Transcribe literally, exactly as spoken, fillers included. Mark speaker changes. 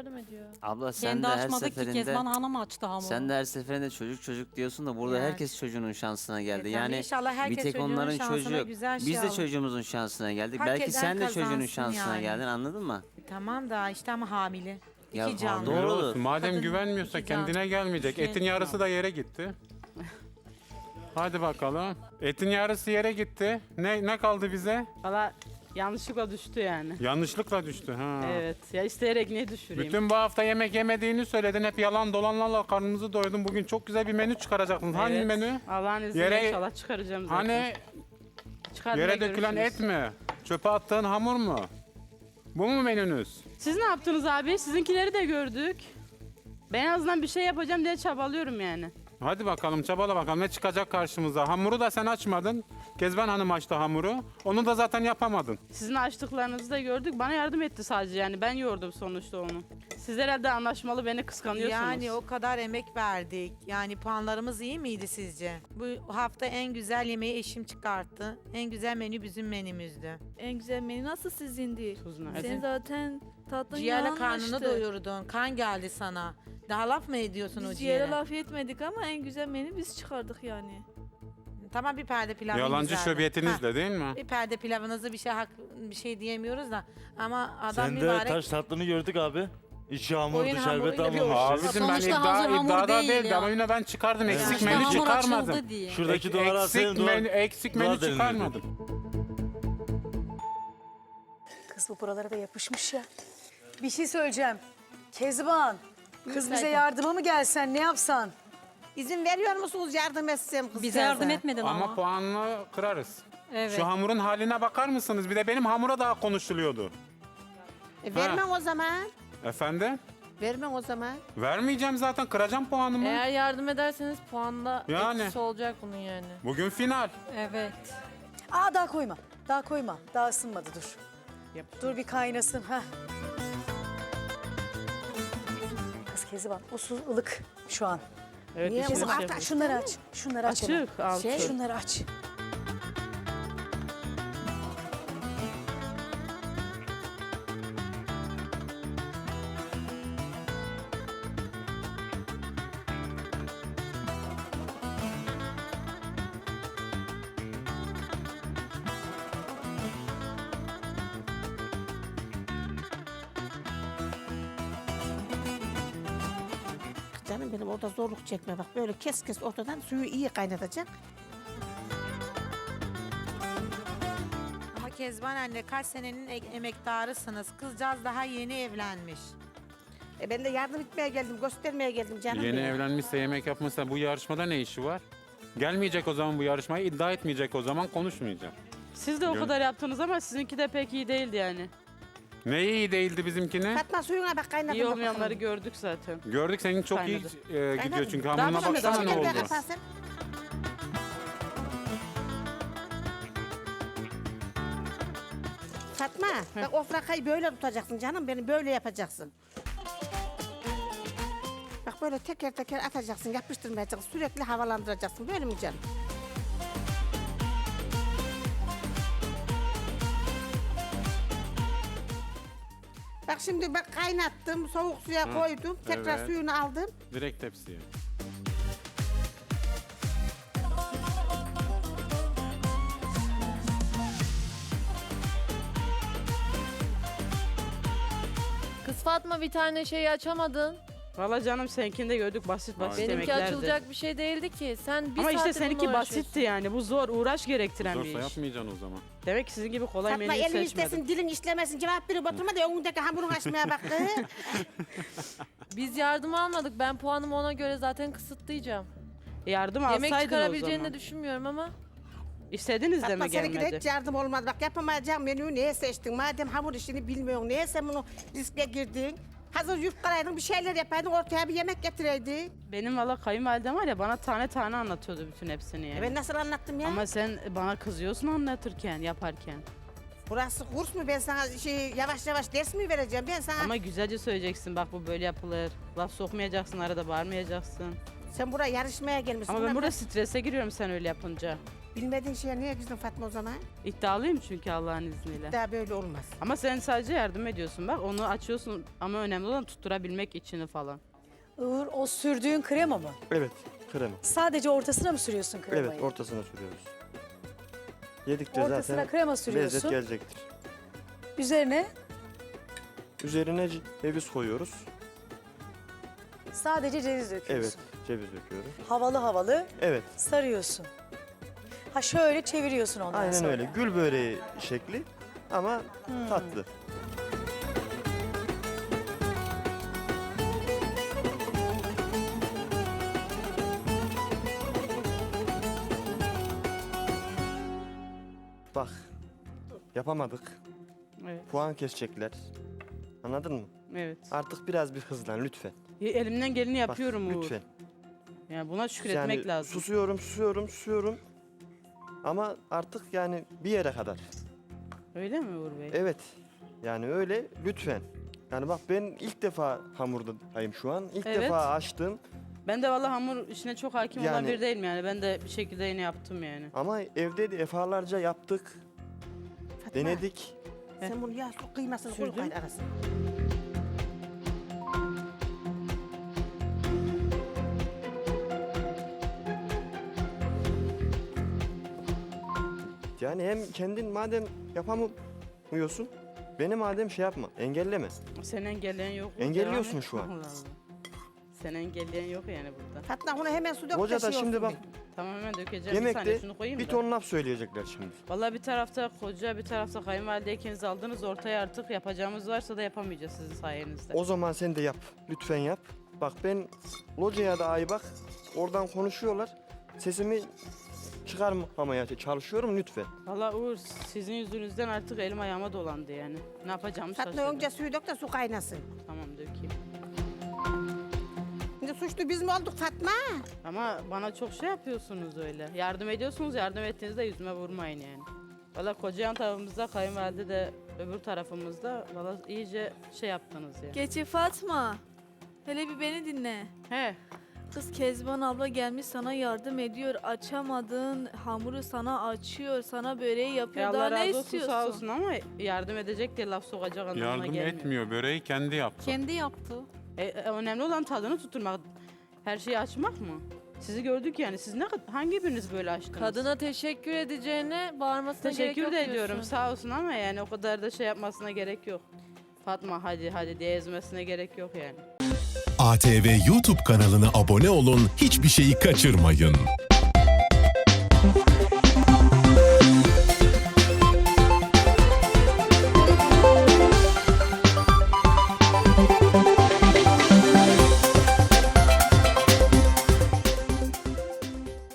Speaker 1: yardım ediyor.
Speaker 2: Abla sen
Speaker 3: Kendi
Speaker 2: de her
Speaker 3: açmadı ki
Speaker 2: seferinde
Speaker 3: Kezban Hanım açtı hamuru.
Speaker 2: sen de her seferinde çocuk çocuk diyorsun da burada
Speaker 4: Yani.
Speaker 2: herkes çocuğunun şansına geldi.
Speaker 4: E, tabii
Speaker 2: yani
Speaker 4: inşallah
Speaker 2: bir
Speaker 4: herkes
Speaker 2: tek
Speaker 4: çocuğunun
Speaker 2: onların
Speaker 4: şansına
Speaker 2: çocuğu yok.
Speaker 4: güzel şey
Speaker 2: Biz de
Speaker 4: alır.
Speaker 2: çocuğumuzun şansına geldik.
Speaker 4: Hak
Speaker 2: Belki
Speaker 4: eden
Speaker 2: sen de çocuğunun
Speaker 4: kazansın
Speaker 2: şansına
Speaker 4: yani.
Speaker 2: geldin, anladın mı?
Speaker 4: Tamam da işte ama hamile.
Speaker 2: Ya,
Speaker 4: İki canlı.
Speaker 2: doğru.
Speaker 5: Öyle olsun. Madem
Speaker 4: Kadın
Speaker 5: güvenmiyorsa
Speaker 4: iki can.
Speaker 5: kendine gelmeyecek.
Speaker 4: Şey,
Speaker 5: Etin yarısı da yere gitti. Hadi bakalım. Etin yarısı yere gitti. Ne ne kaldı bize?
Speaker 6: Valla yanlışlıkla düştü yani.
Speaker 5: Yanlışlıkla düştü. Ha.
Speaker 6: Evet. Ya isteyerek niye düşüreyim?
Speaker 5: Bütün bu hafta yemek yemediğini söyledin. Hep yalan dolanlarla karnımızı doyurdun. Bugün çok güzel bir menü çıkaracaksın. Hangi
Speaker 6: Evet.
Speaker 5: menü?
Speaker 6: Allah'ın izniyle
Speaker 5: Yere-
Speaker 6: inşallah çıkaracağım zaten.
Speaker 5: Hani
Speaker 6: Çıkartmaya
Speaker 5: yere dökülen
Speaker 6: görüşürüz.
Speaker 5: et mi? Çöpe attığın hamur mu? Bu mu menünüz?
Speaker 6: Siz ne yaptınız abi? Sizinkileri de gördük. Ben en azından bir şey yapacağım diye çabalıyorum yani.
Speaker 5: Hadi bakalım çabala bakalım ne çıkacak karşımıza. Hamuru da sen açmadın. Kezban Hanım açtı hamuru. Onu da zaten yapamadın.
Speaker 6: Sizin açtıklarınızı da gördük. Bana yardım etti sadece yani. Ben yoğurdum sonuçta onu. Siz herhalde anlaşmalı beni kıskanıyorsunuz.
Speaker 4: Yani o kadar emek verdik. Yani puanlarımız iyi miydi sizce? Bu hafta en güzel yemeği eşim çıkarttı. En güzel menü bizim menümüzdü.
Speaker 1: En güzel menü nasıl sizindi?
Speaker 6: Tuz nerede?
Speaker 1: Senin zaten tatlın
Speaker 4: Ciğerle
Speaker 1: yanmıştı.
Speaker 4: karnını doyurdun. Kan geldi sana. Daha laf mı ediyorsun o
Speaker 1: Biz
Speaker 4: ciğere?
Speaker 1: ciğere laf etmedik ama en güzel menü biz çıkardık yani.
Speaker 4: Tamam bir perde pilavı
Speaker 5: Yalancı
Speaker 4: güzeldi.
Speaker 5: şöbiyetinizle
Speaker 4: Ha,
Speaker 5: değil mi?
Speaker 4: Bir perde pilavınızı bir şey hak, bir şey diyemiyoruz da ama adam
Speaker 7: Sen de
Speaker 4: mübarek.
Speaker 7: taş tatlını gördük abi. İçi hamurdu,
Speaker 4: Oyun
Speaker 7: şerbet
Speaker 4: hamuruyla bir
Speaker 7: hamurdu.
Speaker 4: oluştu.
Speaker 5: Abicim ben
Speaker 3: Sonuçta
Speaker 5: iddia,
Speaker 3: hazır hamur
Speaker 5: iddiada
Speaker 3: değil
Speaker 5: değildi
Speaker 3: ya.
Speaker 5: ama yine ben çıkardım. Eksik
Speaker 3: İşte
Speaker 5: menü
Speaker 3: hamur
Speaker 5: çıkarmadım.
Speaker 3: açıldı diye.
Speaker 7: Şuradaki
Speaker 5: Ek-
Speaker 7: duvara
Speaker 5: eksik
Speaker 7: atsaydın
Speaker 5: menü,
Speaker 7: duvar,
Speaker 5: eksik
Speaker 7: duvar
Speaker 5: menü
Speaker 7: delinirdi.
Speaker 5: çıkarmadım.
Speaker 8: Kız bu buralara da yapışmış ya. Bir şey söyleyeceğim. Kezban, kız bize yardıma mı gelsen, ne yapsan?
Speaker 4: İzin veriyor musunuz yardım etsem kız
Speaker 3: Bize yardım
Speaker 4: teyze?
Speaker 3: etmedin ama.
Speaker 5: Ama puanla kırarız.
Speaker 3: Evet.
Speaker 5: Şu hamurun haline bakar mısınız? Bir de benim hamura daha konuşuluyordu.
Speaker 4: E, vermem o zaman.
Speaker 5: Efendim?
Speaker 4: Vermem o zaman.
Speaker 5: Vermeyeceğim zaten. Kıracağım puanımı.
Speaker 1: Eğer yardım ederseniz puanda
Speaker 5: Yani.
Speaker 1: etkisi olacak bunun yani.
Speaker 5: Bugün final.
Speaker 3: Evet.
Speaker 8: Aa daha koyma, daha koyma. Daha ısınmadı dur.
Speaker 6: Yap.
Speaker 8: Dur bir kaynasın. ha. Kız Kezban, o su ılık şu an.
Speaker 6: Evet,
Speaker 4: Niye?
Speaker 6: işiniz
Speaker 8: Kızım
Speaker 6: şey
Speaker 8: aç,
Speaker 6: yapın.
Speaker 8: şunları aç. Şunları aç. hemen.
Speaker 6: Açık altı.
Speaker 4: Şey-
Speaker 8: Şunları aç.
Speaker 9: Canım benim orada zorluk çekme bak böyle kes kes ortadan suyu iyi kaynatacaksın.
Speaker 4: Ama Kezban anne kaç senenin e- emektarısınız. Kızcağız daha yeni evlenmiş.
Speaker 9: E ben de yardım etmeye geldim göstermeye geldim canım
Speaker 5: Yeni
Speaker 9: benim.
Speaker 5: evlenmişse yemek yapmışsa bu yarışmada ne işi var? Gelmeyecek o zaman bu yarışmaya, iddia etmeyecek o zaman, konuşmayacağım.
Speaker 6: Siz de o
Speaker 5: Gör-
Speaker 6: kadar yaptınız ama sizinki de pek iyi değildi yani.
Speaker 5: Ne iyi değildi bizimkine?
Speaker 9: Fatma suyuna bak kaynadım.
Speaker 6: İyi
Speaker 9: bak
Speaker 6: olmayanları
Speaker 9: bakalım.
Speaker 6: gördük zaten.
Speaker 5: Gördük senin çok iyi
Speaker 6: Kaynadı.
Speaker 5: e, gidiyor
Speaker 9: Kaynadı.
Speaker 5: çünkü
Speaker 6: Daha
Speaker 5: hamuruna
Speaker 6: pişmedi,
Speaker 5: baksana
Speaker 6: daha
Speaker 5: ne
Speaker 9: Gel
Speaker 6: pişmedi.
Speaker 9: bir
Speaker 5: oldu.
Speaker 9: kapatsın. Fatma bak o frakayı böyle tutacaksın canım benim böyle yapacaksın. Bak böyle teker teker atacaksın yapıştırmayacaksın sürekli havalandıracaksın böyle mi canım? Bak şimdi bak kaynattım soğuk suya
Speaker 5: Hı,
Speaker 9: koydum tekrar
Speaker 5: evet.
Speaker 9: suyunu aldım.
Speaker 5: Direkt tepsiye.
Speaker 1: Kız Fatma bir tane şeyi açamadın.
Speaker 6: Valla canım seninkini de gördük basit basit
Speaker 5: Aynen.
Speaker 1: Benimki
Speaker 6: yemeklerdi.
Speaker 1: açılacak bir şey değildi ki. Sen bir
Speaker 6: Ama işte
Speaker 1: saattir
Speaker 6: seninki
Speaker 1: bununla uğraşıyorsun.
Speaker 6: basitti yani. Bu zor, uğraş gerektiren
Speaker 5: Zorsa
Speaker 6: bir iş.
Speaker 5: yapmayacaksın o zaman.
Speaker 6: Demek ki sizin gibi kolay
Speaker 9: Fatma
Speaker 6: menü
Speaker 9: elin
Speaker 6: seçmedim.
Speaker 9: istesin dilin işlemesin cevap verip oturma da önündeki hamurunu açmaya bak. kız.
Speaker 1: Biz yardım almadık. Ben puanımı ona göre zaten kısıtlayacağım.
Speaker 6: Yardım
Speaker 1: Yemek
Speaker 6: alsaydın o
Speaker 1: çıkarabileceğini
Speaker 6: zaman.
Speaker 1: de düşünmüyorum ama.
Speaker 6: İstediniz de
Speaker 9: Fatma
Speaker 6: mi
Speaker 9: seninki de
Speaker 6: gelmedi?
Speaker 9: hiç yardım olmadı. Bak yapamayacağım menüyü niye seçtin? Madem hamur işini bilmiyorsun niye sen bunu riske girdin? Hazır yufkalaydın bir şeyler yapaydın ortaya bir yemek getireydin.
Speaker 6: Benim valla kayınvalidem var ya bana tane tane anlatıyordu bütün hepsini yani.
Speaker 9: E ben nasıl anlattım ya?
Speaker 6: Ama sen bana kızıyorsun anlatırken, yaparken.
Speaker 9: Burası kurs mu? Ben sana şey yavaş yavaş ders mi vereceğim? Ben sana...
Speaker 6: Ama güzelce söyleyeceksin bak bu böyle yapılır. Laf sokmayacaksın, arada bağırmayacaksın.
Speaker 9: Sen buraya yarışmaya gelmişsin.
Speaker 6: Ama ben
Speaker 9: Ulan
Speaker 6: burada strese giriyorum sen öyle yapınca.
Speaker 9: Bilmediğin şeye niye girdin Fatma o zaman?
Speaker 6: İddialıyım çünkü Allah'ın izniyle.
Speaker 9: Daha böyle olmaz.
Speaker 6: Ama sen sadece yardım ediyorsun bak onu açıyorsun ama önemli olan tutturabilmek içini falan.
Speaker 8: Uğur, o sürdüğün krema mı?
Speaker 3: Evet, krema.
Speaker 8: Sadece ortasına mı sürüyorsun kremayı?
Speaker 3: Evet, ortasına sürüyoruz. Yedikçe
Speaker 8: Ortasına
Speaker 3: zaten
Speaker 8: krema
Speaker 3: lezzet
Speaker 8: sürüyorsun.
Speaker 3: gelecektir.
Speaker 8: Üzerine
Speaker 3: Üzerine c- ceviz koyuyoruz.
Speaker 8: sadece ceviz döküyorsun.
Speaker 3: Evet, ceviz döküyoruz.
Speaker 8: Havalı havalı
Speaker 3: Evet,
Speaker 8: sarıyorsun. Ha şöyle çeviriyorsun ondan
Speaker 3: aynen
Speaker 8: sonra.
Speaker 3: öyle. Gül böreği şekli ama
Speaker 8: Hmm.
Speaker 3: tatlı. Bak, yapamadık.
Speaker 6: Evet,
Speaker 3: Puan kesecekler. Anladın mı?
Speaker 6: evet.
Speaker 3: Artık biraz bir hızlan lütfen.
Speaker 6: Ya, elimden geleni
Speaker 3: Bak,
Speaker 6: yapıyorum Uğur.
Speaker 3: lütfen.
Speaker 6: Yani buna şükretmek
Speaker 3: Yani
Speaker 6: lazım.
Speaker 3: susuyorum, susuyorum, susuyorum. Ama artık yani bir yere kadar.
Speaker 6: Öyle mi Uğur Bey?
Speaker 3: Evet. Yani öyle lütfen. Yani bak ben ilk defa hamurdayım şu an. İlk
Speaker 6: Evet.
Speaker 3: defa açtım.
Speaker 6: Ben de vallahi hamur işine çok hakim olan
Speaker 3: Yani-
Speaker 6: biri değilim yani. Ben de bir şekilde yine yaptım yani.
Speaker 3: Ama evde de defalarca yaptık.
Speaker 9: Fatma,
Speaker 3: Denedik.
Speaker 9: sen bunu yağ su kıymasını koy
Speaker 6: Sürdün.
Speaker 9: kayın arasına.
Speaker 3: Yani hem kendin madem yapamıyorsun, beni madem şey yapma, engelleme.
Speaker 6: Seni engelleyen yok. Uğur,
Speaker 3: Engelliyorsun
Speaker 6: devam et.
Speaker 3: şu an.
Speaker 6: Allah Allah. Seni engelleyen yok yani burada.
Speaker 9: Fatma bunu hemen su dök.
Speaker 3: Hoca da
Speaker 9: şey
Speaker 3: şimdi
Speaker 9: olsun
Speaker 3: bak
Speaker 9: bir.
Speaker 6: Tamam hemen dökeceğim. Bir saniye
Speaker 3: yemekte
Speaker 6: şunu koyayım
Speaker 3: bir
Speaker 6: da.
Speaker 3: ton laf söyleyecekler şimdi.
Speaker 6: Vallahi bir tarafta koca bir tarafta kayınvalide ikiniz aldınız ortaya artık yapacağımız varsa da yapamayacağız sizin sayenizde.
Speaker 3: O zaman sen de yap. Lütfen yap. Bak ben locaya da ay bak. Oradan konuşuyorlar. Sesimi çıkarmamaya çalışıyorum lütfen.
Speaker 6: Vallahi Uğur sizin yüzünüzden artık elim ayağıma dolandı yani. Ne yapacağımı
Speaker 9: Fatma
Speaker 6: şaşırdım.
Speaker 9: önce suyu dök de su kaynasın.
Speaker 6: Tamam dökeyim.
Speaker 9: Şimdi suçlu biz mi olduk Fatma?
Speaker 6: Ama bana çok şey yapıyorsunuz öyle. Yardım ediyorsunuz, yardım ettiğinizde yüzüme vurmayın yani. Valla koca yan tarafımızda, kayınvalide de öbür tarafımızda valla iyice şey yaptınız ya.
Speaker 10: Geçi Fatma. Hele bir beni dinle.
Speaker 6: He,
Speaker 10: Kız Kezban abla gelmiş sana yardım ediyor. Açamadın hamuru sana açıyor. Sana böreği
Speaker 6: ya
Speaker 10: yapıyor. Daha
Speaker 6: Allah
Speaker 10: ne
Speaker 6: razı olsun
Speaker 10: istiyorsun?
Speaker 6: sağ olsun ama yardım edecek diye laf sokacak anlamına
Speaker 5: Yardım
Speaker 6: gelmiyor.
Speaker 5: etmiyor. Böreği kendi yaptı.
Speaker 10: Kendi yaptı.
Speaker 6: E, e, önemli olan tadını tutturmak. Her şeyi açmak mı? Sizi gördük yani. Siz ne kad- hangi biriniz böyle açtınız?
Speaker 1: Kadına teşekkür edeceğine bağırmasına gerek
Speaker 6: teşekkür
Speaker 1: yok
Speaker 6: de ediyorum
Speaker 1: diyorsun.
Speaker 6: sağ olsun ama yani o kadar da şey yapmasına gerek yok. Fatma hadi hadi diye ezmesine gerek yok yani.
Speaker 11: A T V YouTube kanalına abone olun, hiçbir şeyi kaçırmayın.